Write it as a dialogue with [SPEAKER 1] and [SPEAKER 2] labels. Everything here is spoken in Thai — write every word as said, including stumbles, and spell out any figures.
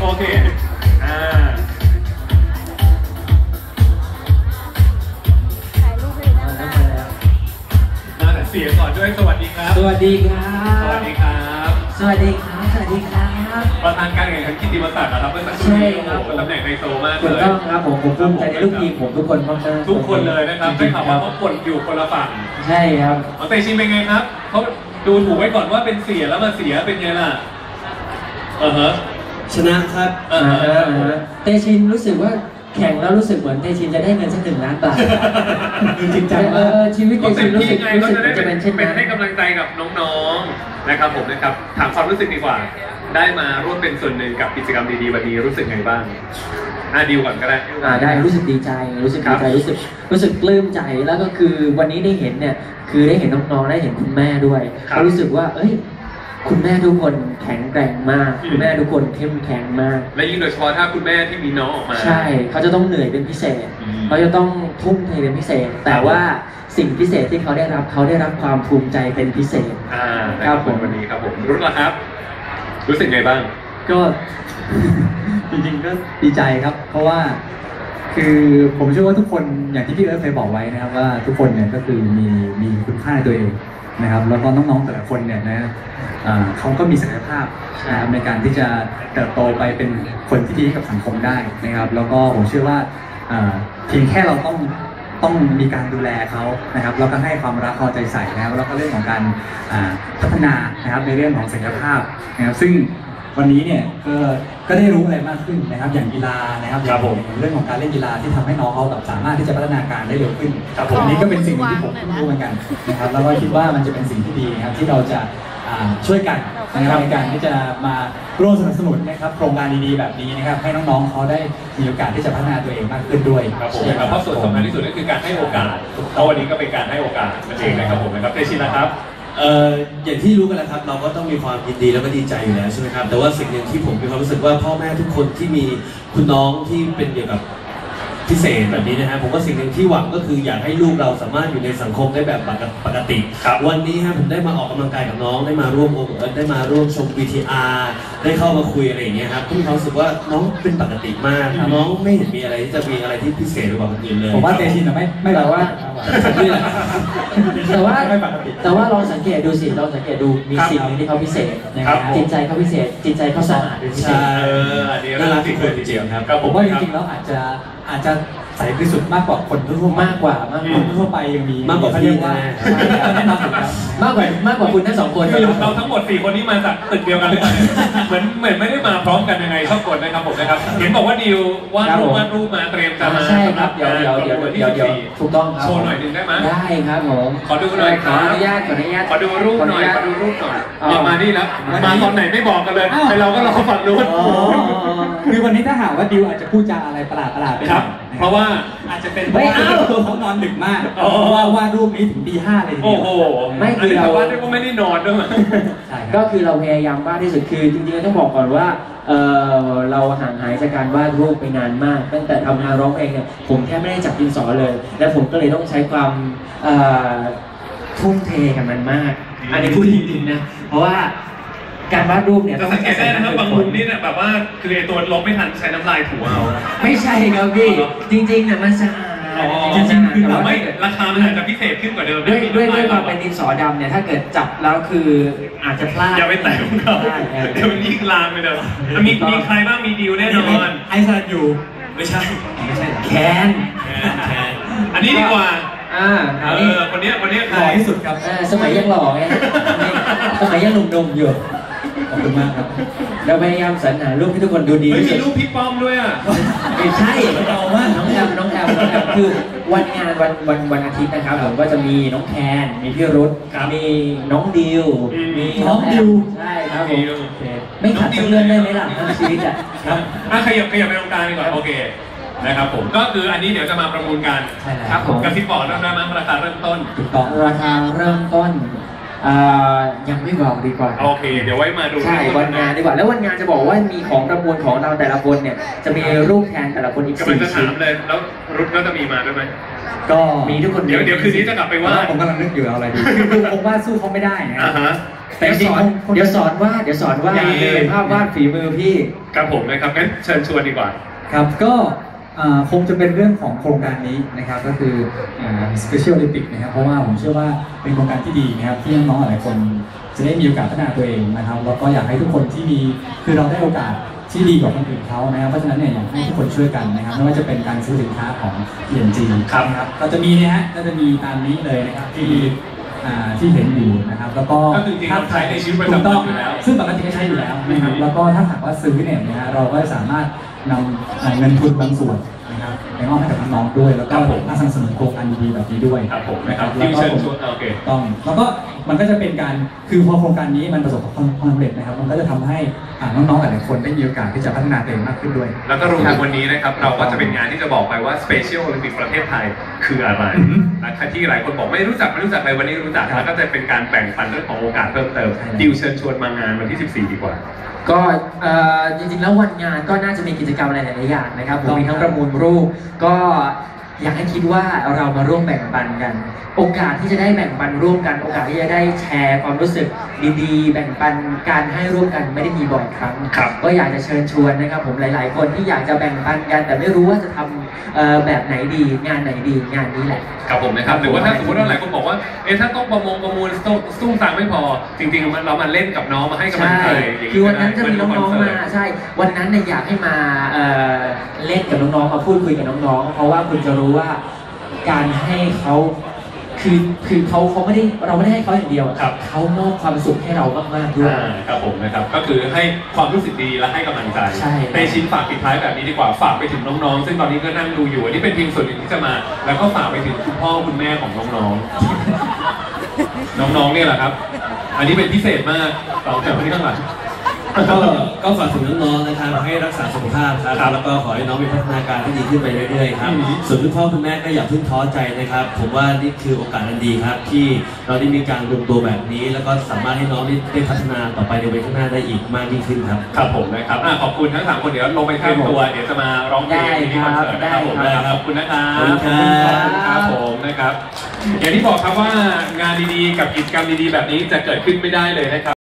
[SPEAKER 1] โอเคอ่า
[SPEAKER 2] ถ่ายรูปเลยนะคะ
[SPEAKER 1] มาแต่เสียงก่อนด้วยสวัสดีครับ
[SPEAKER 3] สวัสดีครับ
[SPEAKER 1] สวัสดีครับ
[SPEAKER 3] สวัสดีครับสวัสดีครับ
[SPEAKER 1] ประธานการแข่งขันกิตติมศักดิ์นะครับเมื่อสักครู่นี้โอ้โหตำแหน่งไฮโซมากเลย
[SPEAKER 3] ถูกต้องครับผมผมภูมิใจในลูกทีมผมทุกคนมากๆ
[SPEAKER 1] ทุกคนเลยนะครับได้ข่าวว่าเขากดอยู่คนละฝั่ง
[SPEAKER 3] ใช่ครับ
[SPEAKER 1] เตชินเป็นไงครับเขาดูถูกไว้ก่อนว่าเป็นเสียแล้วมาเสียเป็นไงล่ะเออฮะ
[SPEAKER 4] ชนะครับ
[SPEAKER 1] เออฮะ
[SPEAKER 3] เตชินรู้สึกว่าแข่งแล้วรู้สึกเหมือนเตชินจะได้เงินสักหนึ่งล้านบาทจริงจังเออชีวิตเตชินรู้สึกรู้สึกจะเป็นเช่นนั้น
[SPEAKER 1] ให้กำลังใจกับน้องๆนะครับผมนะครับถามความรู้สึกดีกว่าได้มาร่วมเป็นส่วนหนึ่งกับกิจกรรมดีๆวันนี้รู้สึกไงบ้างอ่ะดิวก่อนก็ได้
[SPEAKER 3] อ่าได้รู้สึกดีใจรู้สึกดีใจรู้สึกรู้สึกปลื้มใจแล้วก็คือวันนี้ได้เห็นเนี่ยคือได้เห็นน้องๆได้เห็นคุณแม่ด้วยรู้สึกว่าเอ้ยคุณแม่ทุกคนแข็งแกร่งมากคุณแม่ทุกคนเข้มแข็งมาก
[SPEAKER 1] และยิ่งโดยเฉพาะถ้าคุณแม่ที่มีน้องออกมา
[SPEAKER 3] ใช่เขาจะต้องเหนื่อยเป็นพิเศษเขาจะต้องทุ่มเทเป็นพิเศษแต่ว่าสิ่งพิเศษที่เขาได้รับเขาได้รับความภูมิใจเป็นพิเศษ
[SPEAKER 1] อ่าครับผมวันนี้ครับผมรุ่นละครับรู้สึกไงบ้าง
[SPEAKER 4] ก็จริงๆก็ดีใจครับเพราะว่าคือผมเชื่อว่าทุกคนอย่างที่พี่เอิร์ธเคยบอกไว้นะครับว่าทุกคนเนี่ยก็คือมีมีคุณค่าในตัวเองนะครับแล้วก็น้องๆแต่ละคนเนี่ยนะเขาก็มีศักยภาพนะครับในการที่จะเติบโตไปเป็นคนที่ดีกับสังคมได้นะครับแล้วก็ผมเชื่อว่าเพียงแค่เราต้องต้องมีการดูแลเขานะครับแล้วก็ให้ความรักเอาใจใส่นะครับแล้วก็เรื่องของการพัฒนานะครับในเรื่องของศักยภาพนะครับซึ่งวันนี้เนี่ยก็ก็ได้รู้อะไรมากขึ้นนะครับอย่างกีฬานะครับอย่างเรื่องของการเล่นกีฬาที่ทำให้น้องเขาแบบสามารถที่จะพัฒนาการได้เร็วขึ้นอันนี้ก็เป็นสิ่งที่ผมรู้เหมือนกันนะครับแล้วก็คิดว่ามันจะเป็นสิ่งที่ดีนะครับที่เราจะช่วยกันนะครับในการที่จะมาร่วมสนับสนุนนะครับโครงการดีๆแบบนี้นะครับให้น้องๆเขาได้มีโอกาสที่จะพัฒนาตัวเองมากขึ้นด้วย
[SPEAKER 1] ครับผมนะครับเพราะส่วนสำคัญที่สุดก็คือการให้โอกาสแล้ววันนี้ก็เป็นการให้โอกาสนั่นเองนะครับผมนะครับเตชินนะครับ
[SPEAKER 4] เอ่ออย่างที่รู้กันแล้วครับเราก็ต้องมีความยินดีแล้วก็ดีใจอยู่แล้วใช่ไหมครับแต่ว่าสิ่งหนึ่งที่ผมมีความรู้สึกว่าพ่อแม่ทุกคนที่มีคุณน้องที่เป็นเกี่ยวกับพิเศษแบบนี้นะฮะผมว่าสิ่งหนึ่งที่หวังก็คืออยากให้ลูกเราสามารถอยู่ในสังคมได้แบบปกติวันนี้ฮะผมได้มาออกกำลังกายกับน้องได้มาร่วมได้มาร่วมชม วี ที อาร์ ได้เข้ามาคุยอะไรอย่างเงี้ยครับผมมีความรู้สึกว่าน้องเป็นปกติมากน้องไม่เห็นมีอะไรที่จะมีอะไรที่พิเศษกว่าคนอื่นเลยผมว่าเตชินไม่ไม่แบบว่า
[SPEAKER 3] แต่ว่าแต่ว่าลองสังเกตดูสิลองสังเกตดูมีสิ่งนึงที่เขาพิเศษนะครับจิตใจเขาพิเศษจิตใจเขาสะอาดเป็นพิเศษ
[SPEAKER 4] น่ารักที่คนจริงๆครับผมว่าจริงๆแล้วอาจจะอาจจะใสบริสุทธิ์มากกว่าคนทั่ว
[SPEAKER 3] มากกว่ามากกว่า
[SPEAKER 4] ทั่วไปยังมี
[SPEAKER 3] มากกว่าพี่นะมากกว่ามากกว่าคุณทั้งสองคน
[SPEAKER 1] เราทั้งหมดสี่คนนี้มาจากตึกเดียวกันเลยเหมือนเหมือนไม่ได้มาพร้อมกันยังไงชอบกดนะครับผมนะครับเห็นบอกว่าดิววาดรูปวาดรูปมาเตรียมจะมา
[SPEAKER 3] ใช่ครับเดี๋ยวเดี๋ยวเดี๋ยวเดี๋ยวเดี๋ยวถูกต้องครับ
[SPEAKER 1] โชว์หน่อยหนึ่งได้ไหม
[SPEAKER 3] ได้ครับผม
[SPEAKER 1] ขอดูหน่อย
[SPEAKER 3] ขออนุญาตขออนุญาต
[SPEAKER 1] ขอดูรูปหน่อยขอดูรูปหน่อยมานี่แล้วมาตอนไหนไม่บอกกันเลยแต่เราก็รอฝั่งนู้น
[SPEAKER 4] คือวันนี้ถ้าหากว่าดิวอาจจะพูดจาอะไรประหลาดประหลาดไป
[SPEAKER 1] ครับเพราะว่า
[SPEAKER 4] อาจจะเป็นเพราะว่าเขานอนดึกมากเพราะว่าวาดรูปนี้ถึงตีห้าเลย
[SPEAKER 1] โอ้โหไม่คือเราวาดก็ไม่ได้นอนด้วย
[SPEAKER 3] ก็คือเราพยายามวาดที่สุดคือจริงๆต้องบอกก่อนว่าเราห่างหายจากการวาดรูปไปนานมากตั้งแต่ทำงานร้องเพลงเนี่ยผมแค่ไม่ได้จับดินสอเลยและผมก็เลยต้องใช้ความทุ่มเทกับมันมากอันนี้พูดจริงๆนะเพราะว่าการวาดรูปเนี่ย
[SPEAKER 1] จะสังเกตได้นะครับบางมุมนี่เนี่ยแบบว่าคือไอตัวลบไม่ทันใช้น้ำลายถูเอา
[SPEAKER 3] ไม่ใช่ครับพี่จริงๆเนี่ยมันสะอาด
[SPEAKER 1] จริงๆคือไม่ราคามันอาจจะพิเศษขึ้นกว่าเดิม
[SPEAKER 3] ด้วยด้วยด้วยความเป็นดินสอดำเนี่ยถ้าเกิดจับแล้วคืออาจจะพลาด
[SPEAKER 1] อย่าไปแตะของเขาเดี๋ยวนี้ลามไปเดี๋ยวมีมีใครบ้างมีดิวแน่นอน
[SPEAKER 4] ไอซันอยู่ไม่ใช่ไม่ใช่
[SPEAKER 3] แคน
[SPEAKER 1] แคนอันนี้ดีกว่า
[SPEAKER 3] อ่า
[SPEAKER 1] เออคนนี้คนนี้
[SPEAKER 4] หล่อที่สุดครับ
[SPEAKER 3] สมัยยังหล่อไงสมัยยังหนุ่มๆอยู่
[SPEAKER 4] ขอบคุณมากครับ
[SPEAKER 3] เราพยายามสรรหารูปที่ทุกคนดูดี
[SPEAKER 1] มีรูปพี่ป้อมด้วยอ่ะ
[SPEAKER 3] ไม่ใช่เราว่าน้องแอมน้องแอมน้องแอมคือวันงานวันวันวันอาทิตย์นะครับผมก็จะมีน้องแคนมีพี่รุธมีน้องดิวมี
[SPEAKER 4] น้องดิว
[SPEAKER 3] ใช่ครับผมไม่ขาดสักเรื่องได้ไหมล่ะทั้งชีวิตอ่ะ
[SPEAKER 1] ครับอ่ะขยับขยับไปตรงกลางดีกว่าโอเคนะครับผมก็คืออันนี้เดี๋ยวจะมาประมูลกัน
[SPEAKER 3] ครับผม
[SPEAKER 1] กับที่บอกเริ่มได้มั้งราคาเริ่มต้น
[SPEAKER 3] ถูกต้องราคาเริ่มต้นเอ่อยังไม่บอกดีกว่า
[SPEAKER 1] โอเค เดี๋ยวไว้มาดู
[SPEAKER 3] ใช่วันงานดีกว่าแล้ววันงานจะบอกว่ามีของประมวลของเราแต่ละคนเนี่ยจะมีรูปแทนแต่ละคนอีก
[SPEAKER 1] กำลัง
[SPEAKER 3] สี่
[SPEAKER 1] จะ
[SPEAKER 3] ชิ้
[SPEAKER 1] ถาน มเลยแล้วรุดก็จะมีมาด้วยไหม
[SPEAKER 4] ก็
[SPEAKER 3] มีทุกคน
[SPEAKER 1] เดี๋ยวเดี๋ยวคืนนี้จะกลับไปว่า
[SPEAKER 4] ผมกำลังนึกอยู่เอาอะไรดีคือดูคงวาดสู้เขาไม่ได้นะ
[SPEAKER 1] อ่าฮะ
[SPEAKER 3] แต่จริงๆเดี๋ยวสอนวาดเดี๋ยวสอนวาด
[SPEAKER 1] อย่าเลย
[SPEAKER 3] เป็นภาพวาดฝีมือพี่
[SPEAKER 1] ครับผมนะครับงั้นเชิญชวนดีกว่า
[SPEAKER 4] ครับก็อ่าคงจะเป็นเรื่องของโครงการนี้นะครับก็คืออ่า Special Olympic นะครับเพราะว่าผมเชื่อว่าเป็นโครงการที่ดีนะครับที่น้องๆหลายคนจะได้มีโอกาสพัฒนาตัวเองนะครับแล้วก็อยากให้ทุกคนที่มีคือเราได้โอกาสที่ดีกว่าคนอื่นเขานะครับเพราะฉะนั้นเนี่ยอยากให้ทุกคนช่วยกันนะครับไม่ว่าจะเป็นการซื้อสินค้าของ พี เอ็น จี
[SPEAKER 1] ครับ
[SPEAKER 4] นะครับก็จะมีนะฮะก็จะมีตามนี้เลยนะครับที่อ่าที่เห็นอยู่นะครับแล้วก็
[SPEAKER 1] ก็คือจริงๆเราใช้ในชีวิตประจำวัน
[SPEAKER 4] ถูกต้อง
[SPEAKER 1] อยู่แล้ว
[SPEAKER 4] ซึ่งปกติก็ใช้อยู่แล้วนะครับ
[SPEAKER 1] อืม
[SPEAKER 4] แล้วก็ถ้าหากว่าซื้อเนี่ยนะฮะเราก็สามารถนำเอ่อเงินทุนบางส่วนนะครับไปมอบให้กับน้องๆด้วย แล้วก็มาสนับสนุนโครงการดีๆแบบนี้ด้วย
[SPEAKER 1] ครับผมนะครับ
[SPEAKER 4] แล้ว
[SPEAKER 1] ที่
[SPEAKER 4] ก็
[SPEAKER 1] เชิญ
[SPEAKER 4] ผม
[SPEAKER 1] ชวนโอเค
[SPEAKER 4] ต้องแล้วก็มันก็จะเป็นการคือพอโครงการนี้มันประสบความสำเร็จนะครับ มันก็จะทำให้อ่าน้องๆหลายๆคนได้มีโอกาสที่จะพัฒนาตัวเองมากขึ้นด้วย
[SPEAKER 1] แล้วก็รวมถึงวันนี้นะครับเราก็จะเป็นงานที่จะบอกไปว่า Special Olympic ประเทศไทยคืออะไร
[SPEAKER 4] อือฮึ
[SPEAKER 1] นะครับที่หลายคนบอกไม่รู้จักไม่รู้จักเลยวันนี้รู้จัก
[SPEAKER 4] ครับ
[SPEAKER 1] แล้วก็จะเป็นการแบ่งปันเรื่องของโอกาสเพิ่มเติม
[SPEAKER 4] ใช่
[SPEAKER 1] ดิวเชิญชวนมางานวันที่ สิบสี่ ดีกว่า
[SPEAKER 3] ก็เอ่อจริงๆแล้ววันงานก็น่าจะมีกิจกรรมอะไรหลายๆอย่างนะครับผมมีทั้งประมูลรูปก็อยากให้คิดว่าเรามาร่วมแบ่งปันกัน โอกาสที่จะได้แบ่งปันร่วมกัน โอกาสที่จะได้แชร์ความรู้สึกดีๆ แบ่งปันการให้ร่วมกันไม่ได้มีบ่อยครั้ง
[SPEAKER 1] ครับ
[SPEAKER 3] ก็อยากจะเชิญชวนนะครับผมหลายๆ คนที่อยากจะแบ่งปันกัน แต่ไม่รู้ว่าจะทำเอ่อแบบไหนดีงานไหนดีงานนี้แหละ
[SPEAKER 1] ครับผมนะครับหรือว่าถ้าสมมติว่าหลายคนบอกว่าเอ๊ะถ้าต้องประมงประมูลสู้สู้ต่างไม่พอ จริงๆเรามาเล่นกับน้องมาให้กำลัง
[SPEAKER 3] ใช่
[SPEAKER 1] ใจอย่าง
[SPEAKER 3] คือวันนั้นจะมี
[SPEAKER 1] ก็
[SPEAKER 3] น้
[SPEAKER 1] ได้
[SPEAKER 3] องๆ
[SPEAKER 1] เห
[SPEAKER 3] มา ใช่ วันนั้นเนี่ยอยากให้มาเอ่อเล่นกับน้องๆ มาพูดคุยกับน้องๆ เพราะว่าคุณจะรู้ว่าการให้เขาคือคือเขาเขาไม่ได้เราไม่ได้ให้เขาอย่างเดียว
[SPEAKER 1] ครับ
[SPEAKER 3] เขามอบความสุขให้เรามากๆด้วย
[SPEAKER 1] อ่าครับผมนะครับก็คือให้ความรู้สึกดีและให้กำลังใจ
[SPEAKER 3] ใช่
[SPEAKER 1] ในชิ้นฝากปิดท้ายแบบนี้ดีกว่าฝากไปถึงน้องๆ ซึ่งตอนนี้ก็นั่งดูอยู่อันนี้เป็นเพียงส่วนหนึ่งที่จะมา แล้วก็ฝากไปถึงคุณพ่อคุณแม่ของน้องๆ น้องๆเนี่ยแหละครับ อันนี้เป็นพิเศษมากต่อจากคนที่ข้างหลัง
[SPEAKER 5] ก็ก็ฝากถึงน้องๆนะครับให้รักษาสุขภาพครับ
[SPEAKER 1] ครับ
[SPEAKER 5] แล้วก็ขอให้น้องมีพัฒนาการที่ดีขึ้นไปเรื่อยๆครับ
[SPEAKER 1] อืม
[SPEAKER 5] ส่วนคุณพ่อคุณแม่ก็อย่าเพิ่งท้อใจนะครับ ผมว่านี่คือโอกาสอันดีครับ ที่เราได้มีการรวมตัวแบบนี้ แล้วก็สามารถให้น้องได้ได้พัฒนาต่อไปในวันข้างหน้าได้อีกมากยิ่งขึ้นครับ
[SPEAKER 1] ครับผมนะครับอ่ะขอบคุณทั้งสามคนเดี๋ยวลงไปเตรียมตัวเดี๋ยวจะมาร้องเพลงที่คอนเสิร์ตนะครับผม
[SPEAKER 3] ได้ครับ
[SPEAKER 1] ขอบคุณนะครับ
[SPEAKER 5] ขอบคุณครับ
[SPEAKER 1] ขอบคุณครับผมนะครับ อย่างที่บอกครับว่างานดีๆกับกิจกรรมดีๆแบบนี้จะเกิดขึ้นไม่ได้เลยนะครับ